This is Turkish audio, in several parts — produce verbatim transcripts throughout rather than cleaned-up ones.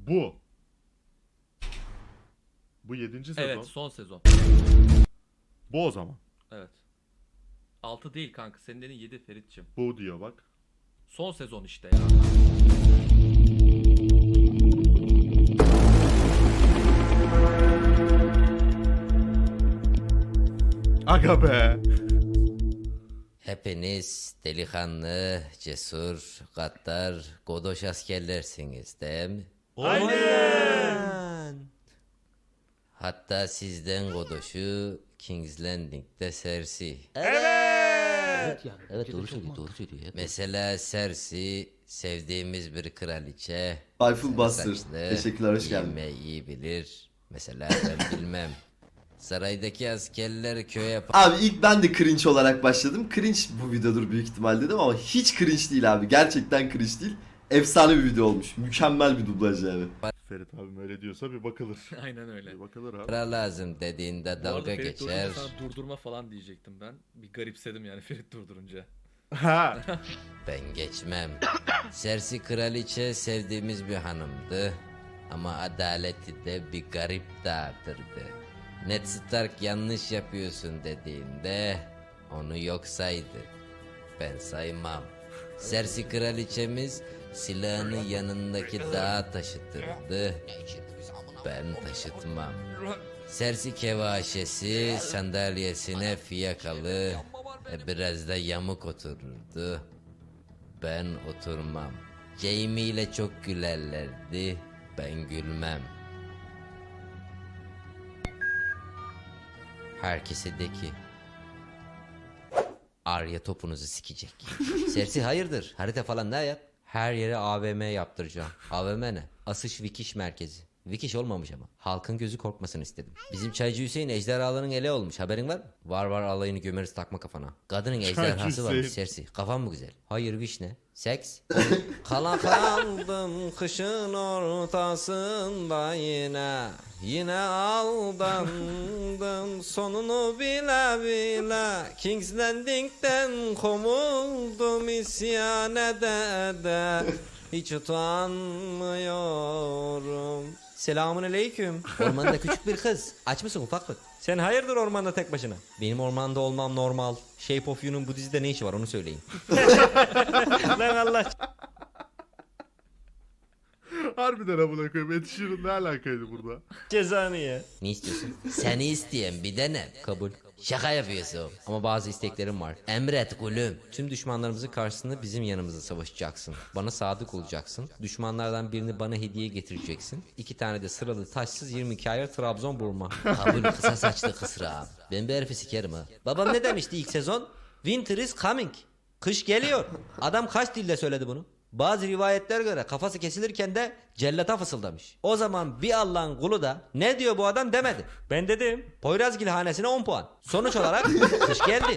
Bu. Bu yedinci sezon. Evet, son sezon. Bu o zaman. Evet. altı değil kanka. Senin dediğin yedi Ferit'cim. Bu diyor bak. Son sezon işte ya. Aga be. Hepiniz delikanlı, cesur, gaddar, godoş askerlersiniz değil mi? Aynen. Hatta sizden godoşu King's Landing'de Cersei. Evet. Yani, Evet doğru söylüyor, doğru söylüyor. ya. Mesela Cersei sevdiğimiz bir kraliçe. Rifle Buster. Saçlı, Teşekkürler, hoş geldin. giyinmeyi iyi bilir. Mesela ben bilmem. Saraydaki askerler köye Abi ilk ben de cringe olarak başladım. Cringe bu videodur büyük ihtimal dedim ama hiç cringe değil abi. Gerçekten cringe değil. Efsane bir video olmuş. Mükemmel bir dublaj yani. Ferit abim öyle diyorsa bir bakılır. Aynen öyle. Bir bakılır abi. para lazım dediğinde Bu arada dalga Ferit geçer. durdurunca sana durdurma falan diyecektim ben. Bir garipsedim yani Ferit durdurunca. Ha. Ben geçmem. Cersei kraliçe sevdiğimiz bir hanımdı. Ama adaleti de bir garip dağıtırdı. Ned Stark yanlış yapıyorsun dediğinde onu yok saydı. Ben saymam. Cersei kraliçemiz silahını yanındaki dağa taşıtırdı. Ben taşıtmam. Cersei kevaşesi sandalyesine fiyakalı e, biraz da yamuk otururdu. Ben oturmam. Jaime ile çok gülerlerdi. Ben gülmem. Herkese de ki Arya topunuzu sikecek. Cersei hayırdır? Harita falan ne yap? Her yere A V M yaptıracağım. A V M ne? Asış Vikiş merkezi. Vikiş olmamış ama. Halkın gözü korkmasını istedim. Bizim Çaycı Hüseyin ejderhaların ele olmuş. Haberin var mı? Var var alayını gömeriz takma kafana. Kadının ejderhası varmış Hüseyin. Cersei. Kafan mı güzel? Hayır vişne. Seks. Kala kaldım kışın ortasında yine. Yine aldandım sonunu bile bile. King's Landing'den kovuldum isyan ede ede. Hiç utanmıyorum. Selamun aleyküm. Ormanda küçük bir kız. Aç mısın ufaklık? Sen hayırdır ormanda tek başına? Benim ormanda olmam normal. Shape of You'nun bu dizide ne işi var onu söyleyin. Lan Allah. Harbiden amına koyayım. Ed Sheeran ne alakaydı burada? Cezanı ya. Ne istiyorsun? Seni isteyen bir dene. Kabul. Şaka yapıyorsun. Ama bazı isteklerim var. Emret kulüm. Tüm düşmanlarımızın karşısında bizim yanımızda savaşacaksın. Bana sadık olacaksın. Düşmanlardan birini bana hediye getireceksin. İki tane de sıralı taşsız yirmi iki ayar Trabzon burma. Kabul kısa saçlı kısra. Ben bir herifi sikerim ha. Babam ne demişti ilk sezon? Winter is coming. Kış geliyor. Adam kaç dilde söyledi bunu? Bazı rivayetler göre kafası kesilirken de cellata fısıldamış. O zaman bir Allah'ın kulu da ne diyor bu adam demedi. Ben dedim. Poyrazgil hanesine on puan. Sonuç olarak kış geldi.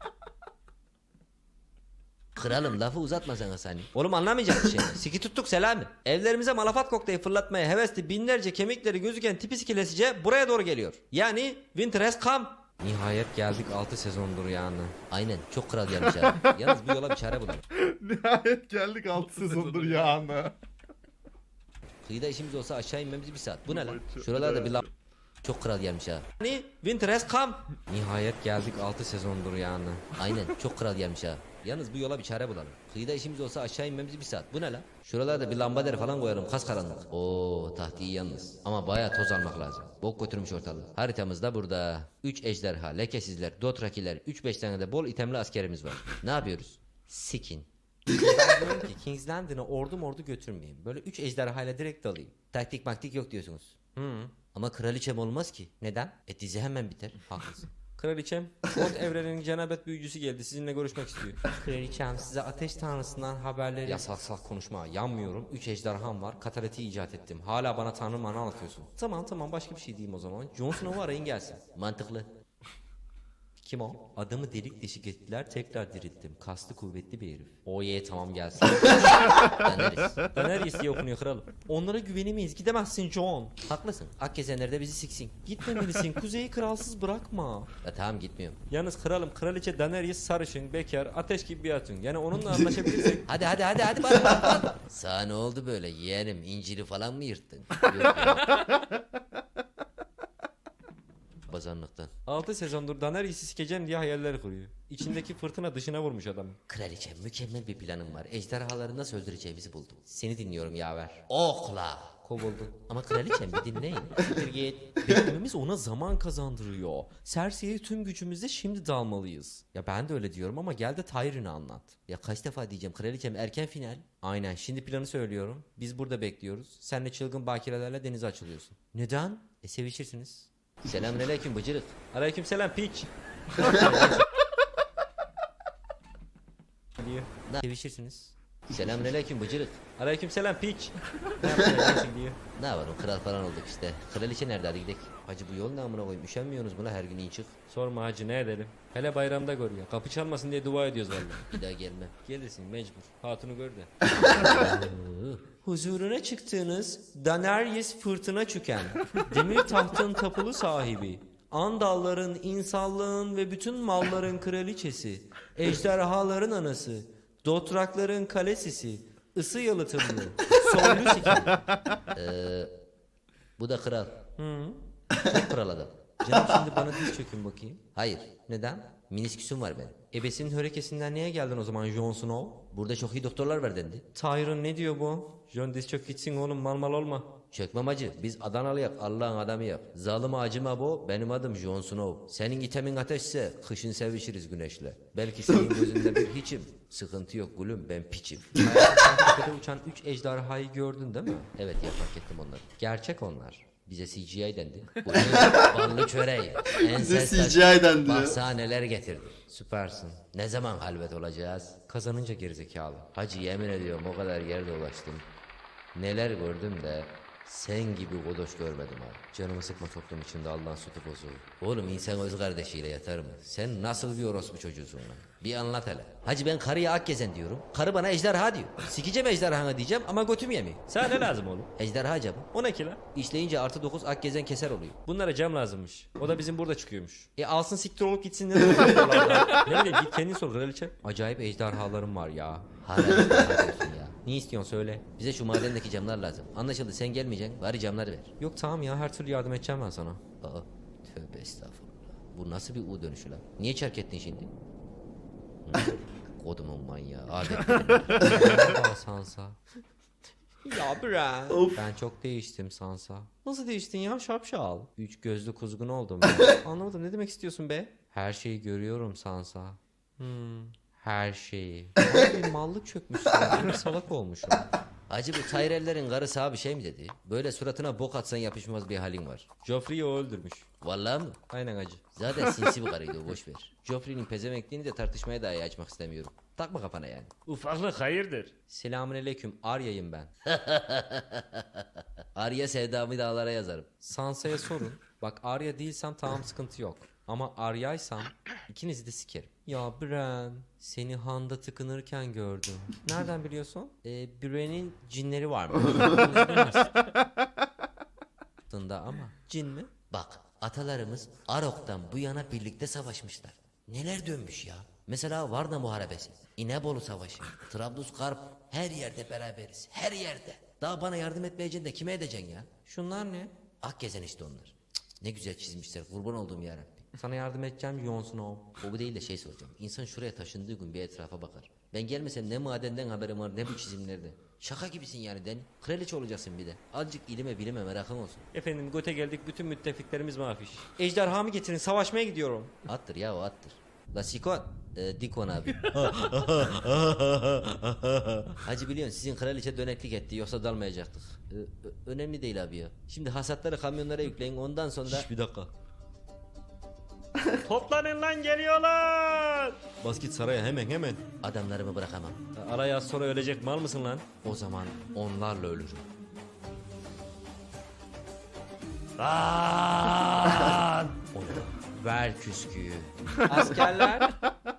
Kralım lafı uzatma sen Hasan. Oğlum anlamayacak bir şey. Siki tuttuk Selami. Evlerimize malafat kokteyli fırlatmaya hevesli binlerce kemikleri gözüken tipi sikilesice buraya doğru geliyor. Yani winter has come. Nihayet geldik altı sezondur yani. Aynen çok kral gelmiş abi. Yalnız bu yola bir çare bulalım. Nihayet geldik altı sezondur ya ana. Kıyıda işimiz olsa aşağı inmemiz bir saat. Bu ne lan? Çok Şuralarda bir güzel. laf çok kral gelmiş ha. Hani winter has come. Nihayet geldik altı sezondur yani. Aynen çok kral gelmiş ha. Yalnız bu yola bir çare bulalım. Kıyıda işimiz olsa aşağı inmemiz bir saat. Bu ne lan? Şuralarda bir lambader falan koyarım kas karanlık. Oo taht iyi yalnız. Ama bayağı toz almak lazım. Bok götürmüş ortalığı. Haritamız da burada. üç ejderha, lekesizler, dothrakiler, üç beş tane de bol itemli askerimiz var. Ne yapıyoruz? Sikin. Ben diyorum ki King's Landing'e ordu mordu götürmeyeyim. Böyle üç ejderhayla direkt dalayım. Taktik maktik yok diyorsunuz. Hı. Ama kraliçem olmaz ki. Neden? E dizi hemen biter. Haklısın. Kraliçem, God evrenin cenabet büyücüsü geldi. Sizinle görüşmek istiyor. Kraliçem size ateş tanrısından haberleri... Ya salak salak konuşma. Yanmıyorum. Üç ejderham var. Kataleti icat ettim. Hala bana tanrı manı anlatıyorsun. Tamam tamam başka bir şey diyeyim o zaman. Jon Snow'u arayın gelsin. Mantıklı. Kim o? Adamı delik deşik ettiler, tekrar dirilttim. Kaslı kuvvetli bir herif. O ye tamam gelsin. Daenerys. Daenerys diye okunuyor kralım. Onlara güvenemeyiz, gidemezsin Jon. Haklısın. Akgezenler de bizi siksin. Gitmemelisin, kuzeyi kralsız bırakma. Ya tamam gitmiyorum. Yalnız kralım, kraliçe Daenerys sarışın, bekar, ateş gibi bir hatun. Yani onunla anlaşabilirsek. hadi hadi hadi hadi bak bak bak. Sana ne oldu böyle yeğenim, inciri falan mı yırttın? Yok ya. Bazanlıktan. altı sezondur Daenerys'i sikeceğim diye hayaller kuruyor. İçindeki fırtına dışına vurmuş adam. Kraliçe mükemmel bir planım var. Ejderhaları nasıl öldüreceğimizi buldum. Seni dinliyorum yaver. Okla. Kovuldun. Ama kraliçem bir dinleyin. Siktir git. Beklememiz ona zaman kazandırıyor. Cersei'ye tüm gücümüzle şimdi dalmalıyız. Ya ben de öyle diyorum ama gel de Tyrion'u anlat. Ya kaç defa diyeceğim kraliçem erken final. Aynen şimdi planı söylüyorum. Biz burada bekliyoruz. Senle çılgın bakirelerle denize açılıyorsun. Neden? E sevişirsiniz. Selamünaleyküm bıcırık. Aleykümselam piç. diyor. Ne sevişirsiniz? Selamünaleyküm bıcırık. Aleykümselam piç. Ne yapacaksın diyor. Ne yapalım kral falan olduk işte. Kraliçe nerede hadi gidelim. Hacı bu yol ne amına koyayım üşenmiyorsunuz buna her gün in çık. Sorma hacı ne edelim. Hele bayramda gör ya. Kapı çalmasın diye dua ediyoruz vallahi. Bir daha gelmem. Gelirsin mecbur. Hatunu gör de. Huzuruna çıktığınız Daenerys fırtına çüken, demir tahtın tapulu sahibi, Andalların, insanlığın ve bütün malların kraliçesi, ejderhaların anası, dotrakların kalesisi, ısı yalıtımlı, soylu siken. Eee bu da kral. Hı. Çok kral adam. Canım şimdi bana diz çökün bakayım. Hayır. Neden? Minisküsüm var benim. Ebesinin hörekesinden niye geldin o zaman Jon Snow? Burada çok iyi doktorlar var dendi. Tyrion ne diyor bu? Jon diz çök gitsin oğlum mal mal olma. Çökmem acı. Biz Adanalıyık Allah'ın adamıyık. Zalim acıma bu. Benim adım Jon Snow. Senin itemin ateşse kışın sevişiriz güneşle. Belki senin gözünde bir hiçim. Sıkıntı yok gülüm ben piçim. Tepede uçan üç ejderhayı gördün değil mi? Evet ya fark ettim onları. Gerçek onlar. Bize C G I dendi. Bu ne? Ballı çöreği. Bize C G I dendi. Bak sana neler getirdim. Süpersin. Ne zaman halvet olacağız? Kazanınca gerizekalı. Hacı yemin ediyorum o kadar yerde ulaştım. Neler gördüm de sen gibi godoş görmedim abi. Canımı sıkma toplum içinde Allah'ın sütü bozuğu. Oğlum insan öz kardeşiyle yatar mı? Sen nasıl bir orospu çocuğusun lan? Bir anlat hele. Hacı ben karıya Akgezen diyorum. Karı bana ejderha diyor. Sikeceğim ejderhanı diyeceğim ama götüm yemiyor. Sana ne lazım oğlum? Ejderha camı. O ne ki lan? İşleyince artı dokuz Akgezen keser oluyor. Bunlara cam lazımmış. O da bizim burada çıkıyormuş. E alsın siktir olup gitsin ne demek? Ne bileyim git kendin sor kraliçe. Acayip ejderhalarım var ya. Hala ejderha diyorsun ya. Ne istiyorsun söyle. Bize şu madendeki camlar lazım. Anlaşıldı sen gelmeyeceksin. Bari camları ver. Yok tamam ya her türlü yardım edeceğim ben sana. Aa tövbe estağfurullah. Bu nasıl bir U dönüşü lan? Niye çark ettin şimdi? Kodumun manyağı. Adetlerim. Sansa. Ya bre. Of. Ben çok değiştim Sansa. Nasıl değiştin ya şapşal? Üç gözlü kuzgun oldum ben. Anlamadım ne demek istiyorsun be? Her şeyi görüyorum Sansa. Hmm. Her şeyi. Abi bir mallık çökmüşsün. Bir salak olmuşum. Acı bu Tyrell'lerin karısı abi şey mi dedi? Böyle suratına bok atsan yapışmaz bir halin var. Joffrey'i o öldürmüş. Vallahi mı? Aynen acı. Zaten sinsi bir karıydı o boş ver. Joffrey'nin pezemekliğini de tartışmaya dahi açmak istemiyorum. Takma kafana yani. Ufaklık hayırdır? Selamünaleyküm Arya'yım ben. Arya sevdamı dağlara yazarım. Sansa'ya sorun. Bak Arya değilsem tamam sıkıntı yok. Ama Arya'ysam ikinizi de sikerim. Ya Bran seni handa tıkınırken gördüm. Nereden biliyorsun? Ee, Bran'in cinleri varmış. Aslında ama cin mi? Bak atalarımız Arok'tan bu yana birlikte savaşmışlar. Neler dönmüş ya. Mesela Varna Muharebesi, İnebolu Savaşı, Trablusgarp her yerde beraberiz. Her yerde. Daha bana yardım etmeyeceksin de kime edeceksin ya? Şunlar ne? Akgezen işte onlar. Cık, ne güzel çizmişler kurban olduğum yarabbim. Sana yardım edeceğim Jon Snow. O bu değil de şey soracağım. İnsan şuraya taşındığı gün bir etrafa bakar. Ben gelmesem ne madenden haberim var ne bu çizimlerde. Şaka gibisin yani Den. Kraliçe olacaksın bir de. Azıcık ilime bilime merakın olsun. Efendim göte geldik bütün müttefiklerimiz mafiş. Ejderhamı getirin savaşmaya gidiyorum. Attır ya o attır. La Sikon. Ee, Dikon abi. Hacı biliyorsun sizin kraliçe döneklik etti yoksa dalmayacaktık. Ee, ö- önemli değil abi ya. Şimdi hasatları kamyonlara yükleyin ondan sonra... Şş, bir dakika. Toplanın lan geliyorlar. Bas git saraya hemen hemen. Adamlarımı bırakamam. Araya az sonra ölecek mal mısın lan? O zaman onlarla ölürüm. Lan! O ne? Ver küsküyü. Askerler,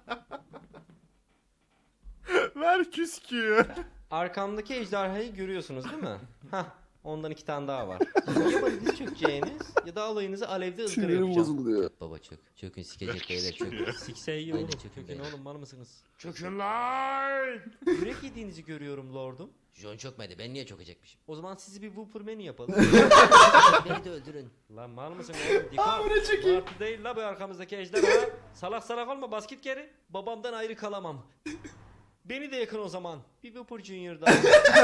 Ver küsküyü. arkamdaki ejderhayı görüyorsunuz değil mi? Hah, ondan iki tane daha var. Ya bana diz çökeceğiniz ya da alayınızı alevde ızgara yapacağım. Baba çök. Çökün sikecek beyler çök. Sikse iyi Aynen, oğlum. çökün Çökün beyler. oğlum, mal mısınız? Çökün lan. Yürek yediğinizi görüyorum lordum. John çökmedi ben niye çökecekmişim? O zaman sizi bir Whopperman'i yapalım. Beni de öldürün. Lan mal mısın oğlum? Dikkat. Martı değil la bu arkamızdaki ejderha. Salak salak olma, bas git geri. Babamdan ayrı kalamam. Beni de yakın o zaman. Bir Whopper Junior daha.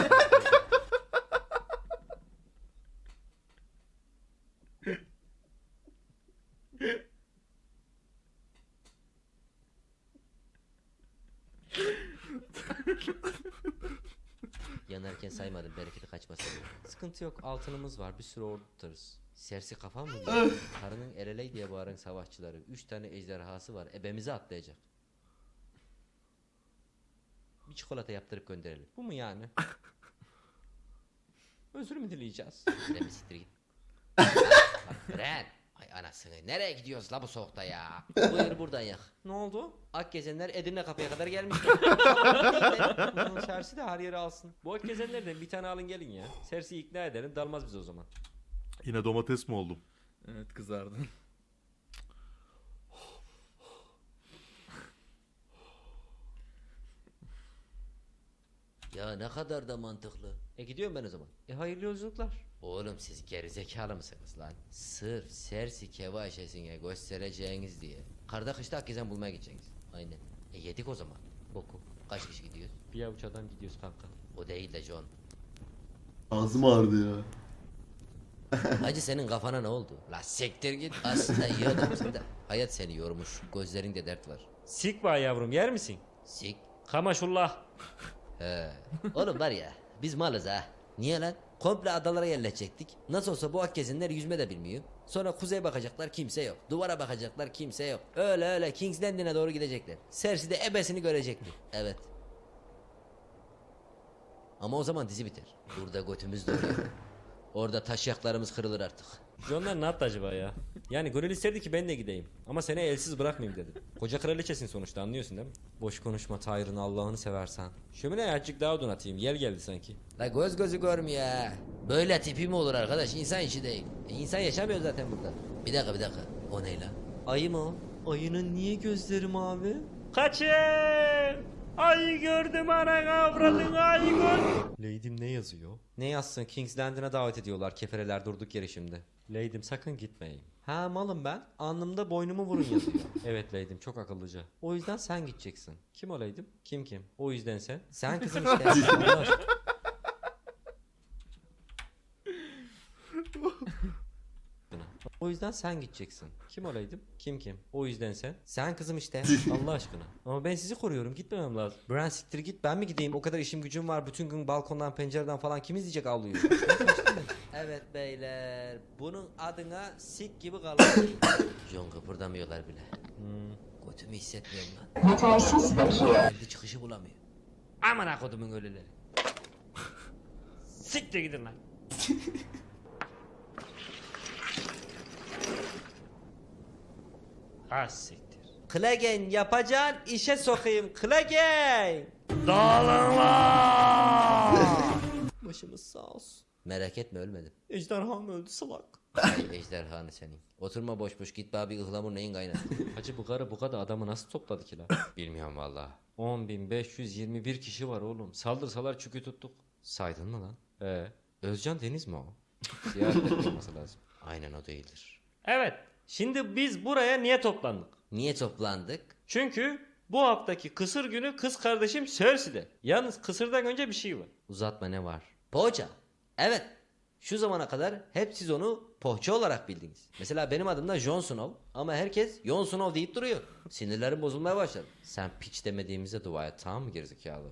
Yanarken saymadım bereketi kaçmasın diye. Sıkıntı yok, altınımız var, bir sürü ordu tutarız. Sersi kafam mı diyor? Karının ereley diye bağıran savaşçıları. Üç tane ejderhası var. Ebemizi atlayacak. Bir çikolata yaptırıp gönderelim. Bu mu yani? Özür mü dileyeceğiz? Bren bir siktir git. Bak Bren. Ay anasını. Nereye gidiyoruz la bu soğukta ya? Buyur buradan yak. Ne oldu? Akgezenler Edirne kapıya kadar gelmişler. Bunun Sersi de her yere alsın. Bu ak gezenlerden bir tane alın gelin ya. Sersi'yi ikna edelim, dalmaz bize o zaman. Yine domates mi oldum? Evet, kızardın. Ya ne kadar da mantıklı. E gidiyorum ben o zaman. E hayırlı yolculuklar. Oğlum siz gerizekalı mısınız lan? Sırf Sersi Kevaşesine göstereceğiniz diye. Karda kışta Akgezen bulmaya gideceksiniz. Aynen. E yedik o zaman. Boku. Kaç kişi gidiyoruz? Bir avuç adam gidiyoruz kanka. O değil de John. Ağzım ağrıdı ya. Hacı senin kafana ne oldu? La siktir git. Aslında iyi adamsın da. Hayat seni yormuş. Gözlerinde dert var. Sik var yavrum, yer misin? Sik. Kamaşullah. He. Oğlum var ya biz malız ha. Niye lan? Komple adalara yerleşecektik. Nasıl olsa bu Akgezenler yüzme de bilmiyor. Sonra kuzeye bakacaklar kimse yok. Duvara bakacaklar kimse yok. Öyle öyle King's Landing'e doğru gidecekler. Cersei de ebesini görecekti. Evet. Ama o zaman dizi biter. Burada götümüz dönüyor. Orada taşıyaklarımız kırılır artık. Johnlar ne yaptı acaba ya? Yani gönül isterdi ki ben de gideyim. Ama seni elsiz bırakmayayım dedi. Koca kraliçesin sonuçta, anlıyorsun değil mi? Boş konuşma Tyrın, Allah'ını seversen. Şömineye azıcık daha odun atayım. Yel geldi sanki. La göz gözü görmüyor ha. Böyle tipi mi olur arkadaş? İnsan işi değil. E, insan yaşamıyor zaten burada. Bir dakika bir dakika. O ne lan? Ayı mı o? Ayının niye gözleri mavi? Kaçın! Ay gördüm ana avradın, ay gördüm. Lady'm ne yazıyor? Ne yazsın? King's Landing'e davet ediyorlar. Kefereler durduk yere şimdi. Lady'm sakın gitmeyin. Ha malım ben. Alnımda boynumu vurun yazıyor. Evet Lady'm, çok akıllıca. O yüzden sen gideceksin. Kim o Lady'm? Kim kim? O yüzden sen. Sen kızım işte. Allah aşkına. O yüzden sen gideceksin. Kim o Lady'm? Kim kim? O yüzden sen. Sen kızım işte. Allah aşkına. Ama ben sizi koruyorum, gitmemem lazım. Bran siktir git, ben mi gideyim? O kadar işim gücüm var. Bütün gün balkondan pencereden falan kim izleyecek avluyu? Evet beyler. Bunun adına sik gibi kalır. John kıpırdamıyorlar bile. Hmm. Götümü hissetmiyorum lan. Yetersiz bakiye. Kendi çıkışı bulamıyor. Aman akodumun ölüleri. Siktir gidin lan. Ha siktir. Klagen yapacağın işe sokayım. Klagen. Dağılın lan! Başımız sağ olsun. Merak etme ölmedim. Ejderham öldü salak. Ay ejderhanı senin. Oturma boş boş git bana bir ıhlamur neyin kaynağı. Hacı bu karı bu kadar adamı nasıl topladı ki lan? Bilmiyorum valla. on bin beş yüz yirmi bir kişi var oğlum. Saldırsalar çükü tuttuk. Saydın mı lan? Ee, Özcan Deniz mi o? Ziyaret olması lazım. Aynen o değildir. evet. Şimdi biz buraya niye toplandık? Niye toplandık? Çünkü bu haftaki kısır günü kız kardeşim Cersei'de. Yalnız kısırdan önce bir şey var. Uzatma, ne var? Poğaça. Evet. Şu zamana kadar hep siz onu poğaça olarak bildiniz. Mesela benim adım da Jon Snow ama herkes Jon Snow deyip duruyor. Sinirlerim bozulmaya başladı. Sen piç demediğimize dua et, tamam mı gerizekalı?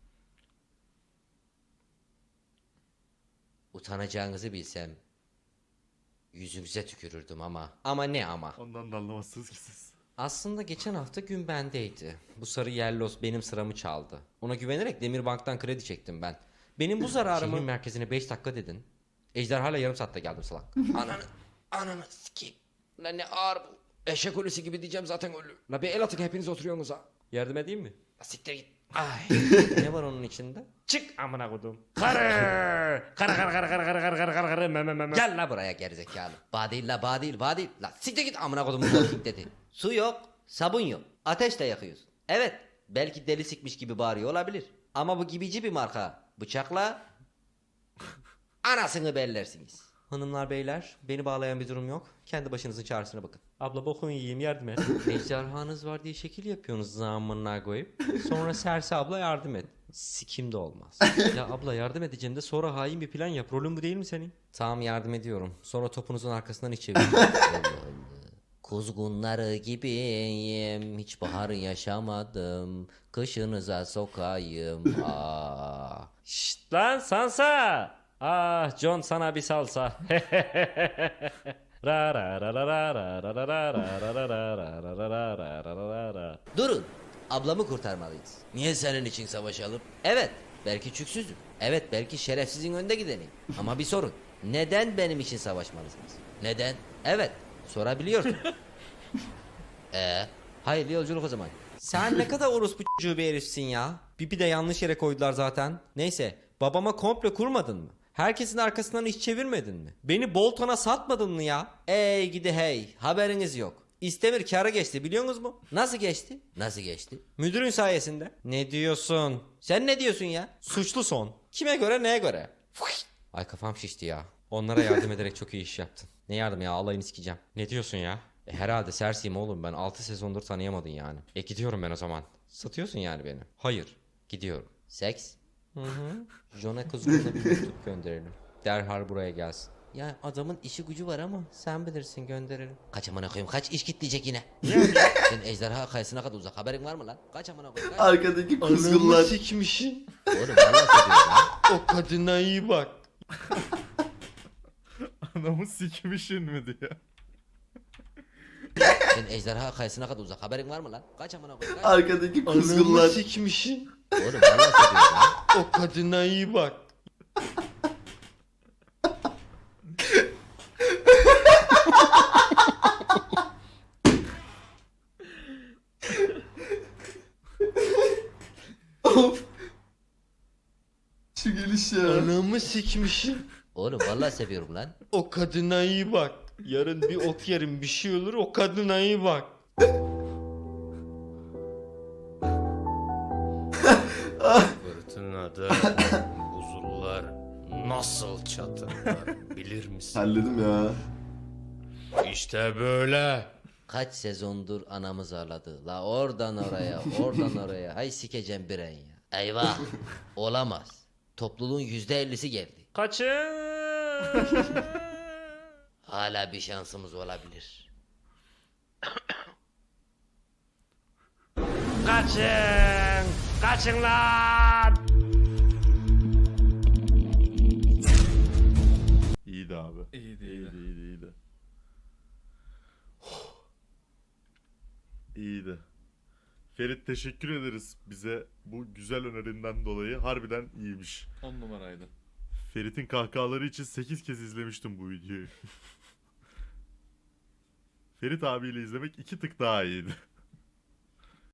Utanacağınızı bilsem yüzünüze tükürürdüm ama. Ama ne ama? Ondan da anlamazsınız ki siz. Aslında geçen hafta gün bendeydi. Bu sarı yellos benim sıramı çaldı. Ona güvenerek Demirbank'tan kredi çektim ben. Benim bu zararımı... Şehrin merkezine beş dakika dedin. Ejderhayla yarım saatte geldim salak. Ananı, ananı sikeyim. Lan ne ağır bu. Eşek ölüsü gibi diyeceğim zaten ölü. La bir el atın hepiniz oturuyorsunuz ha. Yardım edeyim mi? La siktir git. Ay. Ne var onun içinde? Çık amına kodum. Karı. Karı karı karı karı karı karı karı karı karı me me me me. Gel la buraya gerizekalı. Bağ değil la bağ değil bağ değil. La siktir git amına kodumun Walking dedi. Su yok, sabun yok. Ateşle yakıyorsun. Evet, belki deli sikmiş gibi bağırıyor olabilir. Ama bu gibici bir marka. Bıçakla anasını bellersiniz. Hanımlar beyler beni bağlayan bir durum yok. Kendi başınızın çaresine bakın. Abla bokun yiyeyim yardım et. Ejderhanız var diye şekil yapıyorsunuz zamanına koyup. Sonra Serse abla yardım et. Sikim de olmaz. Ya abla yardım edeceğim de sonra hain bir plan yap. Rolün bu değil mi senin? Tamam yardım ediyorum. Sonra topunuzun arkasından iç çevirin. Kuzgunları gibiyim, hiç bahar yaşamadım. Kışınıza sokayım. Aa. Şşt lan Sansa. Ah John sana bir salsa. Ra ra ra ra ra ra ra ra ra ra ra ra ra ra ra ra ra ra ra. Durun. Ablamı kurtarmalıyız. Niye senin için savaşalım? Evet. Belki çüksüzüm. Evet belki şerefsizin önde gideneyim. Ama bir sorun. Neden benim için savaşmalısınız? Neden? Evet. Sorabiliyorsun. Ee, hayırlı yolculuk o zaman. Sen ne kadar orospu çocuğu bir herifsin ya. Bipi de yanlış yere koydular zaten. Neyse babama komple kurmadın mı? Herkesin arkasından iş çevirmedin mi? Beni Bolton'a satmadın mı ya? Ey gidi hey haberiniz yok. İstemir kâra geçti biliyorsunuz mu? Nasıl geçti? Nasıl geçti? Müdürün sayesinde. Ne diyorsun? Sen ne diyorsun ya? Suçlu son. Kime göre neye göre? Ay kafam şişti ya. Onlara yardım ederek çok iyi iş yaptın. Ne yardım ya alayını sikeceğim. Ne diyorsun ya? E, herhalde Cersei'yim oğlum ben altı sezondur tanıyamadın yani. E gidiyorum ben o zaman. Satıyorsun yani beni. Hayır. Gidiyorum. Seks? Hı hı. Jon'a kuzgununa bir mektup gönderelim. Derhal buraya gelsin. Ya adamın işi gücü var ama Sen bilirsin gönderelim. kaç amına koyayım kaç iş kitleyecek yine. Sen ejderha kayısına kadar uzak haberin var mı lan? Kaç amına koyayım kaç. Arkadaki kuzgunlar. sikmişin. Oğlum vallahi seviyorum lan. O kadına iyi bak. Anamı sikmişin mi diyor. Sen ejderha kayısına kadar uzak haberin var mı lan? Kaç amına koyayım kaç. Arkadaki kuzgunlar. sikmişin. Oğlum vallahi seviyorum lan. O kadına iyi bak. Of. Şu geliş ya. Anamı sikmişin. Oğlum vallahi seviyorum lan. O kadına iyi bak. Yarın bir ok yerim bir şey olur o kadına iyi bak. Fırtınada buzullar nasıl çatırlar bilir misin? Halledim ya. İşte böyle. Kaç sezondur anamız ağladı. La oradan oraya, oradan oraya. Hay sikeceğim biren ya. Eyvah. Olamaz. Topluluğun yüzde ellisi geldi. Kaçın. Hala bir şansımız olabilir. Kaçın. Kaçın lan. İyiydi abi. İyiydi, iyiydi. İyiydi, iyiydi, iyiydi. İyiydi. Ferit teşekkür ederiz bize bu güzel önerinden dolayı. Harbiden iyiymiş. On numaraydı. Ferit'in kahkahaları için sekiz kez izlemiştim bu videoyu. Ferit abiyle izlemek iki tık daha iyiydi.